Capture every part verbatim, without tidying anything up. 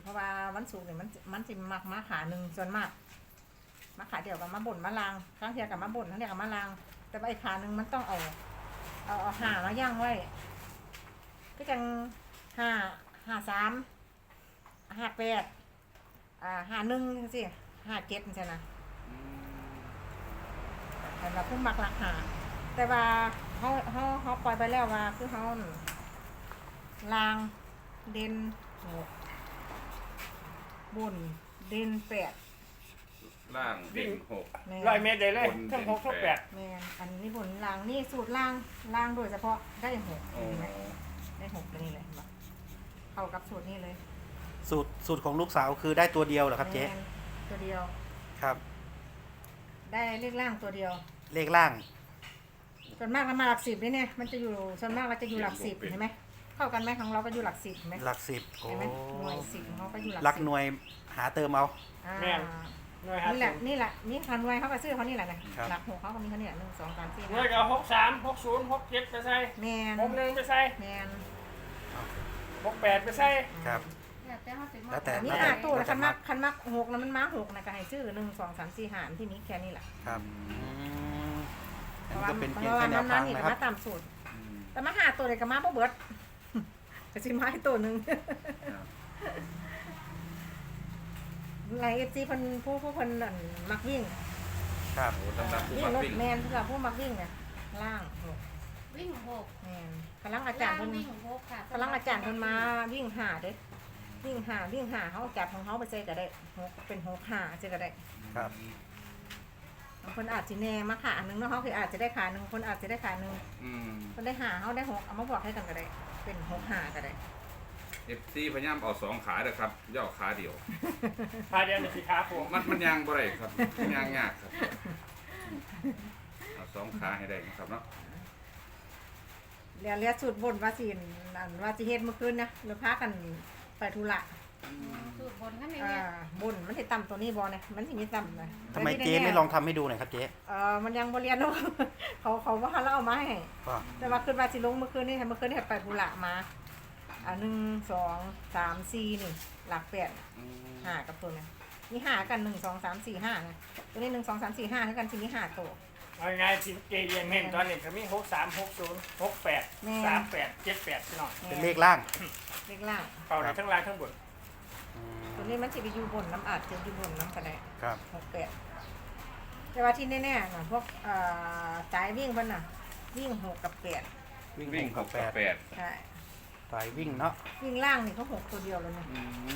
ราะว่าวันศุกร์เนี่ยมันมันสิมักมาขาหนึ่งส่วนมากมาขาเดียวกับมาบ่นมาลางครั้งเดียวกับมาบ่นครั้งเดียวกับมาลาง แต่ว่าไอ้ขาหนึ่งมันต้องเอาเอาเอาหามาย่างไว้ก็จังห้าห้าสามห้าแปดอ่าห้าหนึ่งสิห้าเจ็ดใช่ไหมแต่เราพุ่มมักราคาแต่ว่าเขาเขาเขาปล่อยไปแล้วว่าคือเขาลางเด่นหกบุญเด่นแปดล่างเด่นหกร้อยเมตรได้เลยทั้งหกทั้งแปดแมนอันนี้บุญลางนี่สูตรลางลางโดยเฉพาะได้หกโอ้เห็นไหมได้หกตัวนี้เลยเห็นปะเข้ากับสูตรนี้เลยสูตรสูตรของลูกสาวคือได้ตัวเดียวเหรอครับเจ๊แม่นตัวเดียวครับได้เลขล่างตัวเดียวเลขล่างส่วนมากมันมาหลักสิบนี่เนี่ยมันจะอยู่ส่วนมากเราจะอยู่หลักสิบเห็นไหมเข้ากันไหมของเราก็อยู่หลักสิบเห็นไหมหลักสิบโอ้เห็นไหมหน่วยสิบของเขาก็อยู่หลักหลักสิบหน่วยหาเติมเอาอ่าหน่วยห้านี่สิแหละบนี่แหละนี่คันไว้เขาก็ซื้อเขานี่แหละนะครับ หลักหกเขาก็มีเขาเนี่ยหนึ่งสองสามสี่หน่วห้ายกับหกสามหกศูนย์หกเจ็ดไปใส่แมนหกหนึ่งไปใส่แมนหกแปดไปใส่ครับแล้วแต่แล้วแต่นี่ล้วห้าแต่ตัวแล้วแต่คันมักมักคันมักหกนะมันมาหกนะก็ให้ซื้อหนึ่งสองสามสี่หารที่นี้แค่นี้แหละครับอืมเพอันราะนี้ว่าก็เป็นเพเพียงราะว่าแค่แนมันวนั่ทาน งนะครับนี่ก็มาตามสูตรแต่มาหาตัวเลยก็มาบ่เบิด ก็สิมาให้ตัวหนึ่งไรเอฟซีเพิ่นผู้ผู้เพิ่นนั่นมักวิ่งครับโอ้สำหรับผู้วิ่งมักรถวิ่งแมนสำหรับผู้มักวิ่งเนี่ยล่างหกวิ่งหกแมนพลังอาจารย์เพิ่นวิ่งหกค่ะพลังอาจารย์เพิ่นมาวิ่งหาเด้วิ่งหาวิ่งหาเขาจับของเขาไปใส่ก็ได้หกเป็นหกหาใส่ก็ได้ครับบางคนอาจจะแน่มาขาหนึ่งเนาะเขาคืออาจจะได้ขาหนึ่งคนอาจจะได้ขาหนึ่งอืมคนได้หาเขาได้หกเอามาบอกให้กันก็ได้ เป็นหกหาก็ได้เอฟซีพยายามเอาสองขาเด้อครับย่อขาเดียวพาเดียวในสีขาผมมันมันยางบ่ได้ครับมันยางยากครับเอาสองขาให้ได้นะครับเนาะเรียนเรียนสูตรบนว่าสิอันว่าสิเฮ็ดเมื่อคืนนะเราพากันไปธุระสูตรบนกันเลยอ่าเนี่ยบนมันสิต่ำตัวนี้บ่เนี่ยมันสิมีต่ำเลยทำไมเจ๊ไม่ลองทำให้ดูหน่อยครับเจ๊เออมันยังบ่เรียนเนาะ เขาเขาว่าเราเอามาให้ก็แต่ว่าคืนว่าสิลงเมื่อคืนนี่เมื่อคืนนี่ไปธุระมาอ่าหนึ่งสองสามสี่นี่หลักแปดอืมห้ากับตัวเนี่ยมีห้ากันหนึ่งสองสามสี่ห้านะตัวนี้หนึ่งสองสามสี่ห้าเท่ากันทีนี้ห้าตัวเอาไงสิเกย์ยังเห็นตอนนี้ก็มีหกสามหกศูนย์หกแปดสามแปดเจ็ดแปดพี่น้องเป็นเลขล่างเลขล่างเป่าได้ทั้งล่างทั้งบนอืมตัวนี้มันจะไปอยู่บนน้ำอาจจะอยู่บนน้ำกระไดครับหกแปดแต่ว่าที่แน่ๆน่ะพวกเอ่อสายวิ่งเพิ่นน่ะ วิ่งหกกับแปดวิ่งวิ่งหหกกกักับบ แปแปดดใช่สายวิ่งเนาะวิ่งล่างนี่เขาหกตัวเดียวเลยนะอืม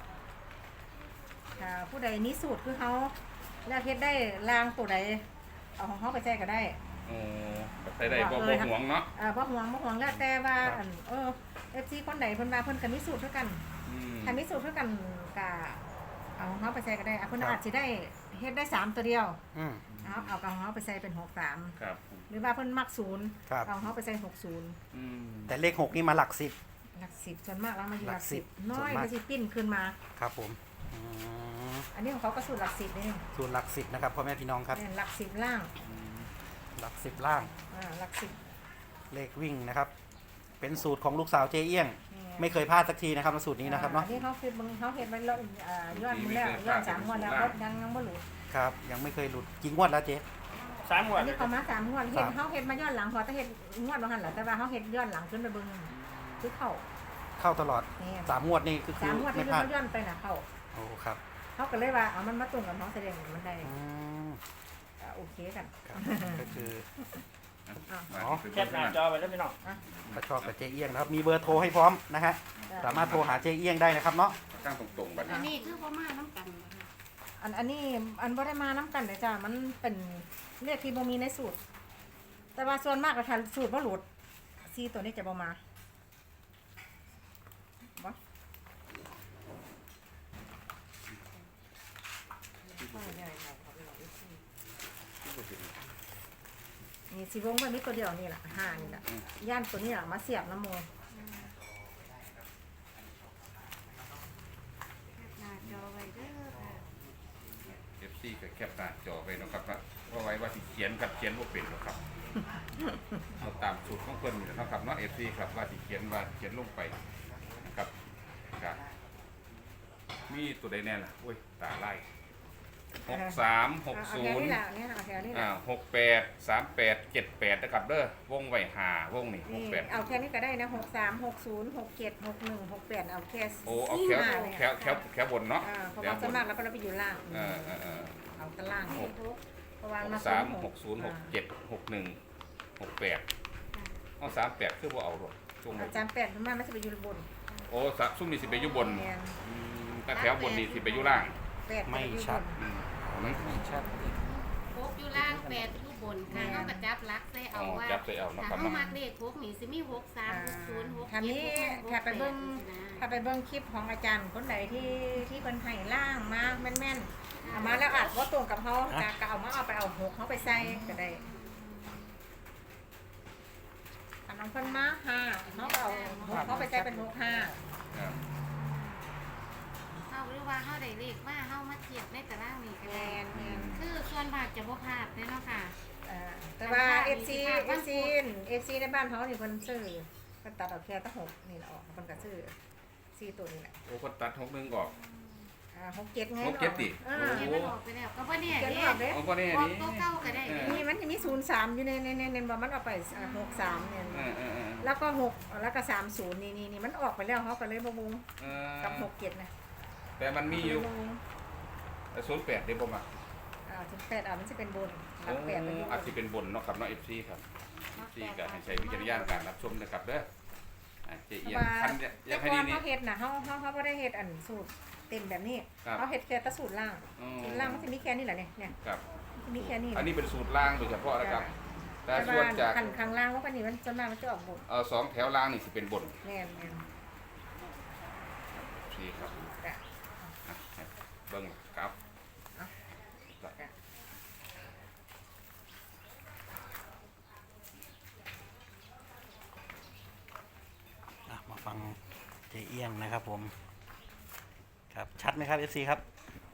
อ่าผู้ใดนี้สูตรคือเขาแล้วเฮ็ดได้ล่างตัวใดเอาของเขาไปแจ้ก็ได้โอ้ก็ใช้ได้บ่บ่ห่วงเนาะอ่าบ่ห่วงบ่ห่วงแล้วแต่ว่าอันเออ เอฟ ซี คนใดเพิ่นว่าเพิ่นก็มีสูตรเท่ากันอืมถ้ามีสูตรเท่ากันก็เอาของเขาไปใส่ก็ได้อ่ะเพิ่นอาจสิได้เฮ็ดได้สามตัวเดียวอืมเอาเอาของเขาไปใส่เป็นหกสามครับหรือว่าเพิ่นมักศูนย์ครับเอาของเขาไปใส่หกศูนย์อืมแต่เลขหกนี่มาหลักสิบหลักสิบส่วนมากแล้วมาอยู่หลักหลักสิสิบบน้อยส่วนมากก็สิปิ้นขึ้นมาครับผมอืมอันนี้ของเขาก็สูตรหลักสิบนี่ส่วนหลักสิบนะครับพ่อแม่พี่น้องครับเนี่ยหลักสิบล่างหลักสิบล่างอ่าหลักสิบเลขวิ่งนะครับ เป็นสูตรของลูกสาวเจ๊เอี้ยง ไม่เคยพลาดสักทีนะครับสูตรนี้นะครับอ่าเนาะอันนี้เขาคือมึงเขาเฮ็ดไว้แล้วอ่ายอดมึงแล้วยอดสามงวดแล้วก็ยังยังบ่หลุดครับ ยังไม่เคยหลุดกี่งวดแล้วเจ๊สามหมวอัดนเลนี้ยเขามาสามงวดเฮ็ดสามเขาเฮ็ดมาย้อนหลังพอแต่เฮ็ดงวดบ่หันแหละแต่ว่าเขาเฮ็ดย้อนหลังขึ้นไปเบิ่งคือเข้าเข้าตลอดนี่สามงวดนี่คือคืสาอมงวดไม่ที่พลาดเขาย้อนไปน่ะเข้าโอ้ครับเขาก็เลยว่าเอามันมาตรงกับน้องแสดงมันได้อืมก็โอเคกันครับก็คือมาอ๋อที่แคปหน้าจอไปแล้วพี่น้องถ้าชอบกับเจ๊เอี้ยงนะครับมีเบอร์โทรให้พร้อมนะฮะสามารถโทรหาเจ๊เอี้ยงได้นะครับเนาะตั้งตรงๆบัดอันนี้นี้คือพ่อมาน้ำกันนะคะอันอันนี้อันบ่ได้มาน้ำกันเลยจ้ะมันเป็นเรียกที่บ่มีในสูตร แต่ว่าส่วนมากก็ทันสูตรบ่หลุดซีตัวนี้จะบ่มาบ่นี่สิวงไว้มีตัวเดียวนี่แหละห้านี่แหละย่านตัวนี้อ่ะมาเสียบน้ำมูหน้าจอไว้เด้อค่ะเอฟซีก็แคปหน้าจอไว้เนาะครับว่าว่าไว้ว่าสิเขียนกับเขียนบ่เป็นหรอกครับเอาตามสูตรของเพิ่นนี่แหละเนาะครับเนาะ เอฟ ซี ครับว่าสิเขียนว่าเขียนลงไปนะครับครับมีตัวใดแน่ล่ะอุ้ยตาไล่หกสามหกเอาศูแถวนย์นี้แหละเนี่ยเอาแถวนี้แหอ่าละหกแปดสามแปดเจ็ดแปดนะครับเด้อวงไว้หาวงนี่หนี่กแปดเอาแค่นี้ก็ได้นะหกสามหกศูนย์หกเจ็ดหกหนึ่งหกแปดเอาแค่โอ้เอาแถวห้าเนี่ยแถวแถวแถวบนเนาะอ่าเพราะแถวว่าบส่วนนมากแล้วก็เราไปอยู่ล่างเออเออเออเอาตะล่างหกเพราะว่าหมากสามหหกกศูนย์หกเจ็ดหกหนึ่งหกแปดเอาสามแปดคือว่าเอาหรอกช่วงอาจารย์แปดส่วนมากมันจะไปอยู่บนโอ้สะซุ่มนี่สิไปอยู่บนเนี่ยอืมแต่แถวบนนี่สิไปอยู่ล่างแปดไม่ชัดอืมเอานั้นไม่ชัดโคกอยู่ล่างแปดอยู่บนค่ะเขากระจับลักใส่เอาว่าจับใส่เอาเนาะคถ้ารับเขาเนาะมักเลขโคกนี่สิมีหกสามหกศูนย์หกถ้าเจ็ดนี้หกถ้าไปเบิ้งแปดถ้าไปเบิ้งคลิปของอาจารย์คนไหนที่ที่เป็นไห้ล่างมาแม่นๆเอามาแล้วอาจว่าตรงกับเขาก็เอามาเอาไปเอาหกเขาไปใส่ก็ได้อันน้องเพิ่นมาห้าเขาก็เอาหกเขาไปใส่เป็นหกห้าครับเขาหรือว่าเขาได้เลขมาเขามาเทียบในตารางนี้กันแมนแมนคือส่วนมากจะบ่พลาดเนาะค่ะอ่าแต่ว่าเอฟซีเอฟซีเอฟซีในบ้านเขานี่เพิ่นซื้อเพิ่นตัดออกแค่ตั้งหกนี่แหละออกเพิ่นก็ซื้อสี่ตัวนี่แหละโอ้คนตัดหกหนึ่งออกอ่าหกเจ็ดไงหกเจ็ดดิอ่าเขียนมันออกไปแล้วก็บ่เนี่ยเขียนเด้ออกเด้เอาก็นี่ออกนี่ตัวเก่าก็ได้เด้นี่มันจะมีศูนย์สามอยู่ในในในในบ่มันออกไปหกสามเนี่ยเออเออเออแล้วก็หกแล้วก็สามศูนย์นี่นี่นี่มันออกไปแล้วเขาก็เลยบ่มุงเออกับหกเจ็ดนะแต่มันมีอยู่บ่มุงศูนย์แปดเดี๋ยวผมอ่ะอ่าถึงแปดอ่ะมันจะเป็นบนหลัโอ้กแปดเป็นบอาจนจะเป็นบนเนาะครับเนาะเอฟซีครับเอฟซีก็ให้ใช้วิจารณญาณในการรับชมนะครับเด้ออ่ะเจีเพยราะนว่าคันเนี่ยอแต่ยากให้ก่อดีนนี่เขาเฮ็ดน่ะเขาเขาเขาบ่ได้เฮ็ดอันสูตรเต็มแบบนี้ครับเขาเฮ็ดแค่แตะสูตรล่างอืมสูตรล่างมันจะมีแค่นี้แหละเนี่ยเนี่ยครับมันมีแค่นี้อันนี้เป็นสูตรล่างโดยเฉพาะนะครับ แต่แต่ส่วนว่าจากขันข้างล่างว่าปานนี้มันส่วนมากมันจะออกบนเออสองแถวล่างนี่สิเป็นบนแม่นแม่นซีครับจ้ะอ่ะเบิ้งครับจ้ะอ่ะมาฟังเจเอี้ยงนะครับผม ครับชัดไหมครับ เอฟ ซี ครับ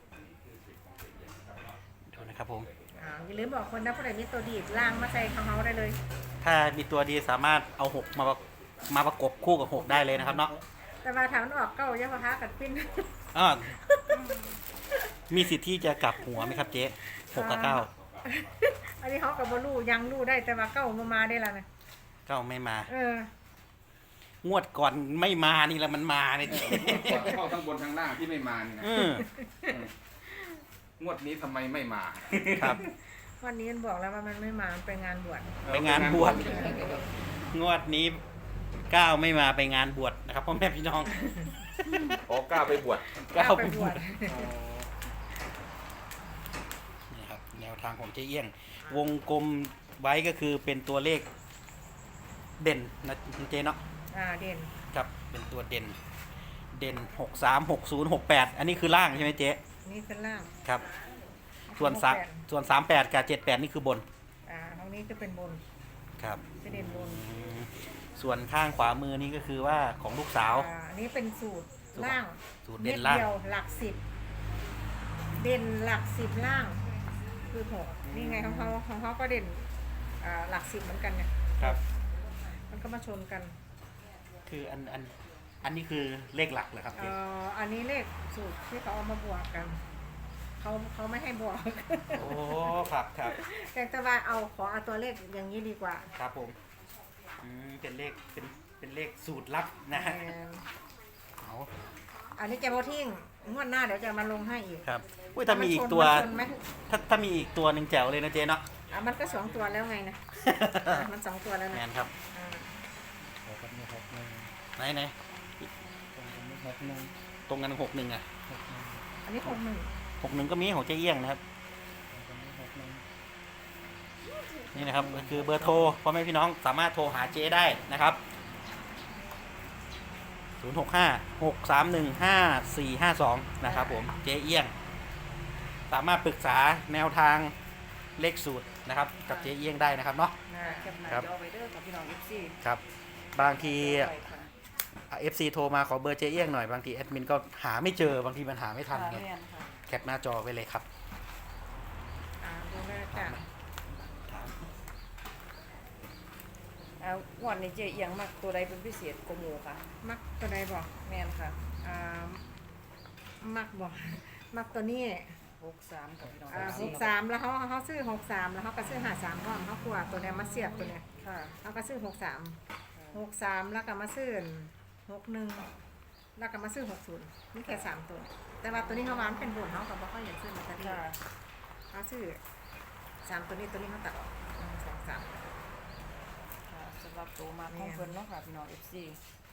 ดูนะครับผมอ่าอย่าลืมบอกคนนะผู้ใดมีตัวดีดล่างมาใส่ของเขาได้เลยถ้ามีตัวดีสามารถเอาหกมาประมาประกบคู่กับหกได้เลยนะครับเนาะแต่ว่าถามมันออกเก้ายังพะคะกัดปิ้นอ่ามีสิทธิ์ที่จะกลับหัวไหมครับเจ๊หกกับเก้าอันนี้เขากับบลูยังรู้ได้แต่ว่าเก้ามามาได้แล้วนะเก้าไม่มาเอองวดก่อนไม่มานี่แหละมันมาเนี่ยเจ๊เข้าทั้งบนทั้งล่างที่ไม่มานี่นะอืมงวดนี้ทำไมไม่มาครับวันนี้มันบอกแล้วว่ามันไม่มามันไปงานบวชไปงานบวช งวดนี้เก้าไม่มาไปงานบวชนะครับพ่อแม่พี่น้องโอ้กล้าไปบวชเก้าไปไปบบ ววชชนี่ครับแนวทางของเจ๊เอี้ยง วงกลมไว้ก็คือเป็นตัวเลขเด่นนะเจ๊เนาะอ่าเด่นครับเป็นตัวเด่น เด่นหกสามหกศูนย์หกแปดอันนี้คือล่างใช่ไหมเจ๊นี่เป็นล่างครับ ส่วนสามส่วนสามแปดกับเจ็ดแปดนี่คือบนอ่าตรงนี้จะเป็นบนครับจะเด่นบนอืมส่วนข้างขวามือนี่ก็คือว่าของลูกสาวอ่าอันนี้เป็นสูตรล่างสูตรเม็เด่ดนล่างเดียวหลักสิบเด่นหลักสิบล่าง คือหกนี่ไงของเขาของเขาก็เด่นอ่าหลักสิบเหมือนกันเนี่ยครับมันก็มาชนกันคืออันอันอันนี้คือเลขหลักเหรอครับเอ่เจ๊ออันนี้เลขสูตรที่เขาเอามาบวกกัน เขาเขาไม่ให้บวกโอ้ครับครับแต่ว่าเอาขอเอาตัวเลขอย่างนี้ดีกว่าครับผมอืมเป็นเลขเป็นเป็นเลขสูตรลับนะฮะแอนเอาอันนี้จะโบทิ้งงวดหน้าเดี๋ยวจะมาลงให้อีกครับอุ้ยถ้ามีอีกตัวมันชนไหมถ้าถ้ามีอีกตัวหนึ่งแจ๋วเลยนะเจ๊เนาะอ่ะมันก็สองตัวแล้วไงนะอ่ะมันสองตัวแล้วแมนะนครับอ่าไหนไหนตรงกันหกหนึ่งอ่ะอันนี้หกหนึ่งหกหนึ่งก็มีของเจ๊เอี้ยงนะครับนี่นะครับก็คือเบอร์โทรพ่อแม่พี่น้องสามารถโทรหาเจ๊ได้นะครับศูนย์หกห้าหกสามหนึ่งห้าสี่ห้าสองนะครับผมเจ๊เอี้ยง สามารถปรึกษาแนวทางเลขสูตรนะครับกับเจ๊เอี้ยงได้นะครับเนาะอ่าเก็บหน้าครับจอไว้เด้อกับพี่น้อง เอฟ ซีครับบางที เอฟซีโทรมาขอเบอร์เจ๊เอี้ยงหน่อยบางทีแอดมินก็หาไม่เจอบางทีมันหาไม่ทันไงแคปหน้าจอไว้เลยครับอ่าดูเลยจ้ะอ่างวันนี้เจเอียงมักตัวใดเป็นพิเศษกว่าหมูค่ะมักตัวใดบอกแม่นค่ะอ่ามักบอกมักตัวนี้หกสามกับพี่น้องอ่าเอฟหซีกสามแล้วเขาเขาซื้อหกสามแล้วเขาก็ซื้อหาสามพร้อมเขากลัวตัวเนี้ยมาเสียบตัวเนี้ยค่ะเขาก็ซื้อหกสามหกสามแล้วก็มาซื้อหกหนึ่งแล้วก็มาซื้อหกศูนย์นี่แค่สามตัว แต่ว่าตัวนี้เขาวางเป็นบนเขากับเขาอยากซื้อลอตเตอรี่ค่ะเขาซื้อสามตัวนี้ตัวนี้เขาตัดออกหนึ่งสองสามค่ะสำหรับตัวมาของเพิ่นเนาะค่ะพี่น้อง เอฟ ซี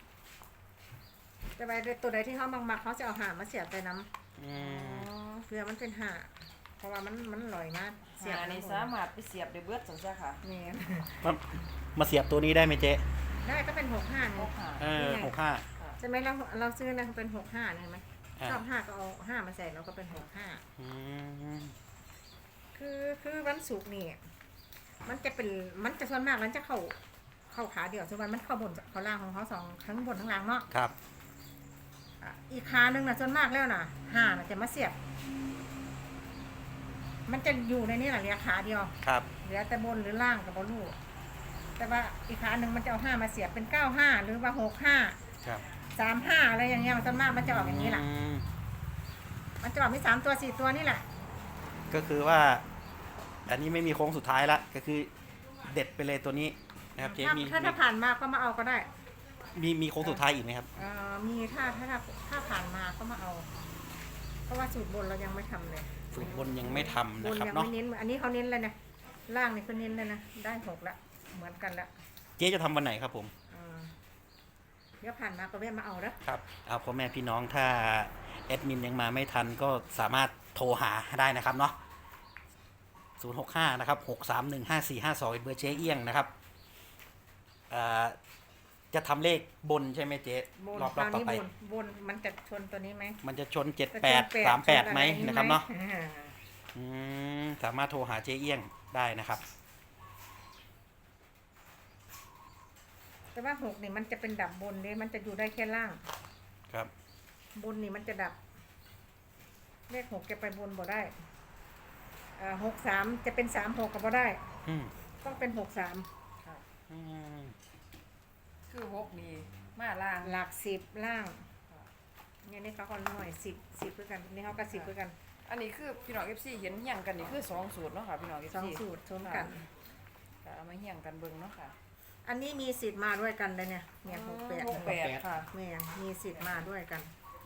แต่ว่าตัวใดที่เขามักๆเขาจะเอาหามาเสียบไปน้ำอืมเพื่อมันเป็นหาเพราะว่ามันมันลอยมากเสียบหานี่สามารถไปเสียบได้เบิดจังซี่ค่ะนี่มามาเสียบตัวนี้ได้ไหมเจ๊ได้ก็เป็นหกห้าหเนี่ยกห้าเออหกห้าใช่ไหมเราเราซื้อนะเป็นหกห้าเนี่ยเห็นไหมอ่าชอบห้าก็เอาห้ามาใส่เราก็เป็นหกห้าอืมคือคือวันศุกร์นี่มันจะเป็นมันจะส่วนมากมันจะเข้าเข้าขาเดียวส่วนวันมันเข้าบนเข้าล่างของเขาสองทั้งบนทั้งล่างเนาะครับอ่ะอีกขาหนึ่งนะส่วนมากแล้วนะห้าน่ะจะมาเสียบ มันจะอยู่ในนี้แหละเหลือขาเดียวครับเหลือแต่บนหรือล่างกับบนลูกแต่ว่าอีกขาหนึ่งมันจะเอาห้ามาเสียบเป็นเก้าห้าหรือว่าหกห้าครับสามห้าอะไรอย่างเงี้ยมันส่วนมากมันจะออกอย่างนี้แหละอืมมันจะออกมีสามตัวสี่ตัวนี่แหละก็คือว่า อันนี้ไม่มีโค้งสุดท้ายละก็คือเด็ดไปเลยตัวนี้นะครับเจ๊ถ้ามีถ้าถ้าผ่านมาก็มาเอาก็ได้มีมีโค้งสุดท้ายอีกไหมครับเอ่อมีถ้าถ้าถ้าถ้าผ่านมาก็มาเอา เพราะว่าสูตรบนเรายังไม่ทำเลยสูตรบนยังไม่ทำบนะนครับยังเนาะไม่เน้นอันนี้เขาเน้นเลยนะล่างนี่เขาเน้นเลยนะได้หกละเหมือนกันละเจ๊จะทำวันไหนครับผมเออเดี๋ยวผ่านมาก็แวะมาเอาเด้อครับเอาพ่อแม่พี่น้องถ้าแอดมินยังมาไม่ทันก็สามารถโทรหาได้นะครับเนาะศูนย์หกห้านะครับหกสามหนึ่งห้าสี่ห้าสองเบอร์เจ๊เอี้ยงนะครับเอ่อจะทำเลขบนใช่ไหมเจ๊บนรอบครอราบวต่อนี้ไปบนบนมันจะชนตัวนี้ไหมมันจะชนเจ็ดจะแปชดนสามแปดชนอะไหมรนะครับเนาะอ่าอืมสามารถโทรหาเจ๊เอี้ยงได้นะครับแต่ว่าหกนี่มันจะเป็นดับบนเลยมันจะอยู่ได้แค่ล่างครับบนนี่มันจะดับ เลขหกจะไปบนบ่ได้อ่าหกสามจะเป็นสามหกก็บ่ได้อืมต้องเป็นหกสามค่ะอืมคือหกนี่มาล่างหลักสิบล่างเนี่ยนี่เขาก็หน่วยสิบสิบด้วยกันนี่เขาก็สิบด้วยกันอันนี้คือพี่น้อง เอฟ ซี เห็นเฮียงกันนี่คือสองสูตรเนาะค่ะพี่น้อง เอฟสองซีสูตรชนกันค่ะเอามาเฮียงกันเบิ่งเนาะค่ะอันนี้มีสิทธิ์มาด้วยกันเลยเนี่ยเนี่ยหกแปดหกแปดค่ะแม่งมีสิทธิ์มาด้วยกัน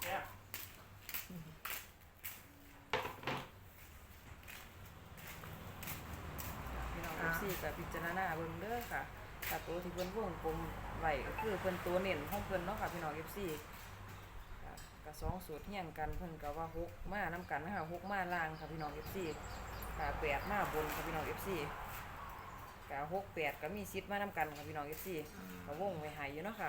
พี่น้อง เอฟ ซี กับพิจารณาเบิ่งเด้อค่ะแต่ตัวที่เพิ่นวงกลมไว้ก็คือเพิ่นตัวเน้นของเพิ่นเนาะค่ะพี่น้อง เอฟ ซีค่ะก็สองสูตรเฮียงกันเพิ่นก็ว่าหกมานํกันนะคะหกมาล่างค่ะพี่น้อง เอฟ ซี ค่ะแปดมาบนค่ะพี่น้อง เอฟ ซีก็หกแปดก็มีสิทธิ์มานํกันค่ะพี่น้อง เอฟ ซี ก็วงไว้ให้อยู่เนาะค่ะ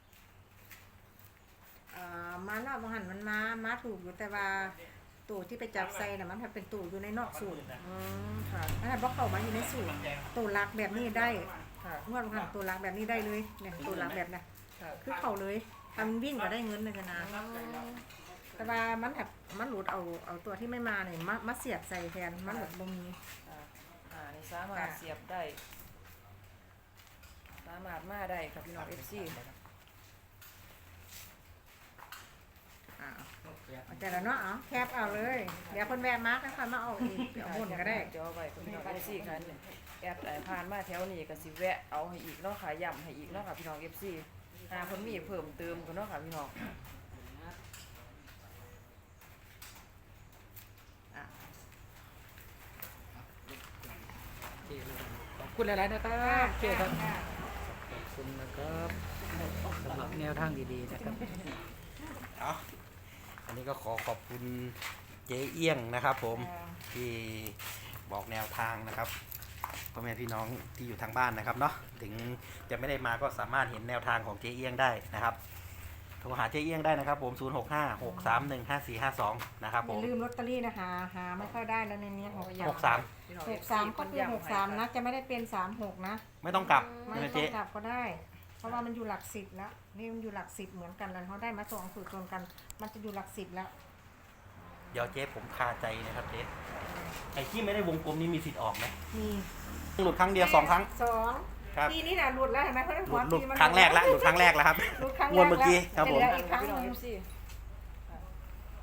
อ่ามารอบบางหันมันมามาถูกอยู่แต่ว่าตู่ที่ไปจับใส่น่ะมันเป็นตู่อยู่ในนอกสูตรอืมค่ะมันบอกเข้ามาอยู่ในสูตรตู่รักแบบนี้ได้ค่ะงวดบางหันตู่รักแบบนี้ได้เลยเนี่ยตู่รักแบบน่ะค่ะคือเข้าเลยทำวิ่งก็ได้เงินเลยนะแต่ว่ามันแบบมันหลุดเอาเอาตัวที่ไม่มาเนี่ยมามาเสียบใส่แทนมันหลุดบ่มีอ่าอ่านี่สามารถค่ะเสียบได้ สามารถมาได้ครับพี่น้อง เอฟ ซีอ่าเอาแต่ละเนาะเอาแคบเอาเลยเดี๋ยวคนแวะมาร์กค่อยมาเอาอีกเดี๋ยวบนก็ได้เดี๋ยวเอาไปครับพี่น้อง เอฟ ซี ค่ะแอดไอ้ผ่านมาแถวนี้ก็สิแวะเอาให้อีกเนาะค่ะย้ำให้อีกเนาะค่ะพี่น้อง เอฟ ซี หาคนมีเพิ่มเติมกันเนาะค่ะพี่น้องอ่ะขอบคุณหลายๆนะครับเจ๊ครับขอบคุณนะครับสำหรับแนวทางดีๆนะครับเอาอันนี้ก็ขอขอบคุณเจ๊เอี้ยงนะครับ ผมอ่าที่บอกแนวทางนะครับพ่อแม่พี่น้องที่อยู่ทางบ้านนะครับเนาะถึงจะไม่ได้มาก็สามารถเห็นแนวทางของเจ๊เอี้ยงได้นะครับโทรหาเจ๊เอี้ยงได้นะครับผมศูนย์หกห้าหกสามหนึ่งห้าสี่ห้าสองนะครับอผย่าม ลืมลอตเตอรี่นะคะหาไม่ค่อยได้แล้วในนี้หกหกสามพี่น้องหเอก ฟสาซีมก็คือหกสามนะจะไม่ได้เป็นสามหกนะไม่ต้องกลับไม่ใช่ไหมต้อเจ๊งกลับก็ได้ เพราะว่ามันอยู่หลักสิบแล้วนี่มันอยู่หลักสิบเหมือนกันแล้วเขาได้มาสองสูตรรวมกัน มันจะอยู่หลักสิบแล้วเดี๋ยวเจ๊ผมคาใจนะครับเจ๊ไอ้ที่ไม่ได้วงกลมนี้มีสิทธิ์ออกไหมมีหลุดครั้งเดียวสองครั้งสองครับปีนี้น่ะหลุดแล้วเห็นไหมเขาได้หหัลุวดหลุดปีมันครั้งแรกแล้วหลุดครั้งแรกแล้วครับหลุดครั้งงวดเมื่อกี้ครับผมจะเหลืออีกครั้งพี่หน้องนึ่เอง ฟซี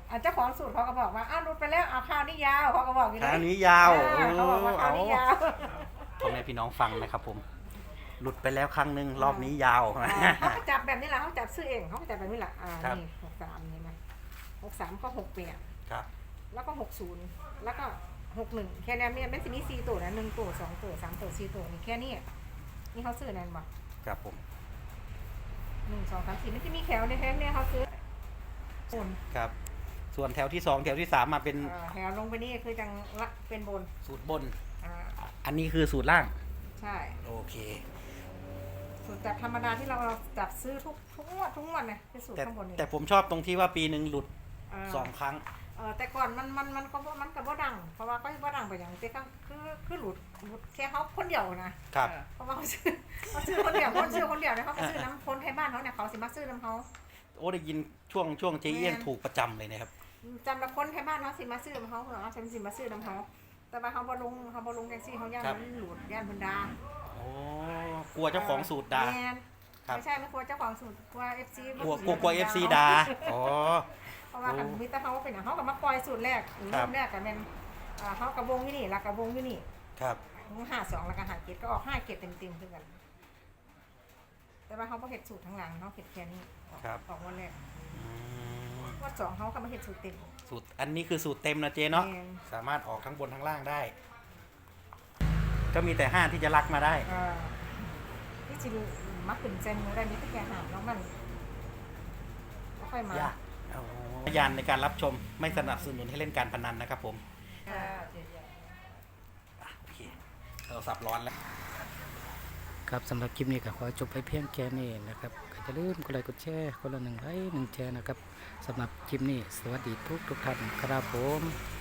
อ่ะเจ้าของสูตรเขาก็บอกว่าอ้าวหลุดไปแล้วเอาข้าวนี่ยาวเขาก็บอกอย่างคราวนี้นี้ยาวอ่าเขาบอกว่าข้าวนี่ยาวพ่อแม่พี่น้องฟังนะครับผมหลุดไปแล้วครั้งหนึ่งรอบนี้ยาวอ่าเขาก็จับแบบนี้แหละเขาจับซื้อเองเขาก็จับแบบนี้แหละอ่าครับนี่หกสามนี่นะหกสามก็หกแปดครับแล้วก็หกศูนย์แล้วก็หกหนึ่งแค่นี้เนี่ยมันจะมีสี่ตัวนะหนึ่งตัวสองตัวสามตัวสี่ตัวนี่แค่นี้นี่เขาซื้อนั่นบ่ครับผมหนึ่งสองสามสี่มันจะมีแถวในแถวเนี่ยเขาซื้อโอนครับ ส่วนแถวที่สองแถวที่สามมาเป็นเอ่อแถวลงไปนี่คือจังละเป็นบนสูตรบนอ่าอันนี้คือสูตรล่างใช่โอเคสูตรจับธรรมดาที่เราเราจับซื้อทุกทุกงวดทุกงวดนะคือสูตรแต่ข้างบนนี่แต่ผมชอบตรงที่ว่าปีหนึ่งหลุดเอ่อสองครั้งเออแต่ก่อนมันมันมันก็บ่มันก็บ่ดัง เพราะว่าก็บ่ดังไปอย่างแต่ก็คือคือหลุดหลุดแค่เขาคนเดียวนะครับ เพราะว่าเขาซื้อเขาซื้อคนเดียวคนซื้อคนเดียวเนี่ยเขาก็ซื้อน้ำคนให้บ้านเขาเนี่ยเขาสิมาซื้อน้ำเขาโอ้ได้ยินช่วงช่วงเจ๊เอี้ยงแม่นถูกประจำเลยนะครับจำละคนให้บ้านเขาสิมาซื้อน้ำเขาเหรอฉันสิมาซื้อน้ำเขาแต่ว่าเขาบ่ลงเขาบ่ลงแท็กซี่เขาย่านครับมันหลุดย่านเพิ่นดาโอ้กลัวเจ้าของสูตรด่าแม่นครับไม่ใช่ไม่กลัวเจ้าของสูตรกลัว เอฟ ซีกลัวกลัวกลัวเอฟซีด่าอ๋อเพราะว่าคันมีแต่เขาเป็นอย่างเขากับมาปล่อยสูตรแรกครัเริ่บมแรกกันเป็นอ่าเขากระวงอยู่นี่แล้วกระวงอยู่นี่ครับห้าสองแล้วก็หาเกตก็ออกห้าเกตเต็มเต็มๆคือกัน แต่ว่าเขาบ่เห็ดสูตรทั้งหลังเขาเห็ดแค่นี้ออกครับออกวันแรกอืมวันสองเขาก็มาเห็ดสูตรเต็มสูตรอันนี้คือสูตรเต็มนะเจ๊เนาะแม่นสามารถออกทั้งบนทั้งล่างได้ ก็มีแต่ห้าที่จะลักมาได้อ่าที่จริงมักขึ้นเซนมือได้มีแต่แค่หางน้องมันก็ค่อยมายากพยานในการรับชมไม่สนับสนุนให้เล่นการพนันนะครับผมอ่าอ่ะโอเคโทรศัพท์ร้อนแล้วครับสำหรับคลิปนี้ก็ขอจบไปเพียงแค่นี้นะครับก็จะลืมกดไลค์กดแชร์คนละหนึ่งไลค์หนึ่งแชร์นะครับสำหรับคลิปนี้สวัสดีทุกทุกท่านครับผม